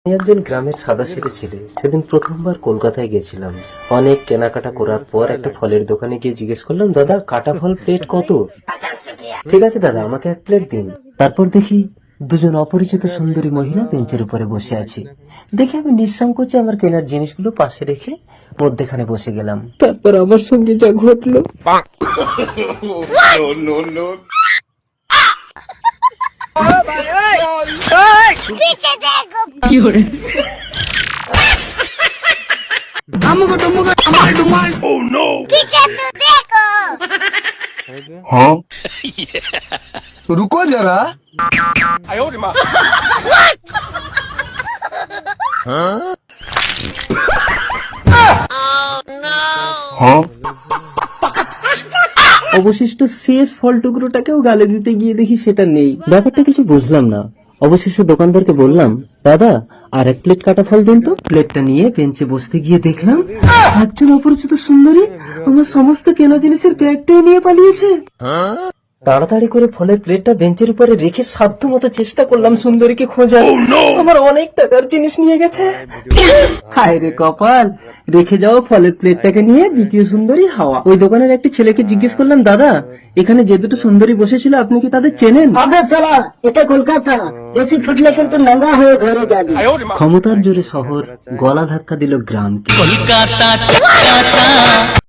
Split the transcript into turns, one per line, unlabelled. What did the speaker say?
আমি একজন গ্রামের সাদাসিধে ছেলে। সেদিন প্রথমবার কলকাতায় গেছিলাম। অনেক কেনাকাটা করার পর একটা ফলের দোকানে গিয়ে জিজ্ঞেস করলাম, দাদা কাটা ফল প্লেট কত? ঠিক আছে দাদা, আমাকে এক প্লেট দিন। তারপর দেখি দুজন অপরিচিত সুন্দরী মহিলা বেঞ্চের উপরে বসে আছে। দেখে আমি নিঃসংকোচে আমার কেনার জিনিসগুলো পাশে রেখে মধ্যেখানে বসে গেলাম। তারপর আমার সঙ্গে যা ঘটলো।
पीछे देखो पीछे तो देखो
हाँ रुको जरा हाँ
অবশিষ্ট শেষ ফল টুকরোটাকেও গালে দিতে গিয়ে দেখি সেটা নেই। ব্যাপারটা কিছু বুঝলাম না। অবশেষে দোকানদারকে বললাম, দাদা আর এক প্লেট কাটা ফল দিন তো। প্লেটটা নিয়ে বেঞ্চে বসতে গিয়ে দেখলাম একজন অপরিচিত সুন্দরী আমার সমস্ত কেনা জিনিসের ব্যাগটাই নিয়ে পালিয়েছে। তাড়াতাড়ি করে ফলের প্লেটটা বেঞ্চের উপরে রেখে সাধ্য মতো চেষ্টা করলাম সুন্দরীকে খোঁজার। আমার অনেক টাকার জিনিস নিয়ে গেছে। হায় রে কপাল, রেখে যাওয়া ফলের প্লেটটাকে নিয়ে দ্বিতীয় সুন্দরী হাওয়া। ওই দোকানের একটি ছেলেকে জিজ্ঞেস করলাম, দাদা এখানে যে দুটো সুন্দরী বসেছিল আপনি কি তাদের চেনেন?
আবে সালা, এটা কলকাতা, বেশি ফুটলে কিন্তু নাঙ্গা হয়ে ঘরে যাবি।
ক্ষমতার জোরে শহর গলা ধাক্কা দিল গ্রামকে।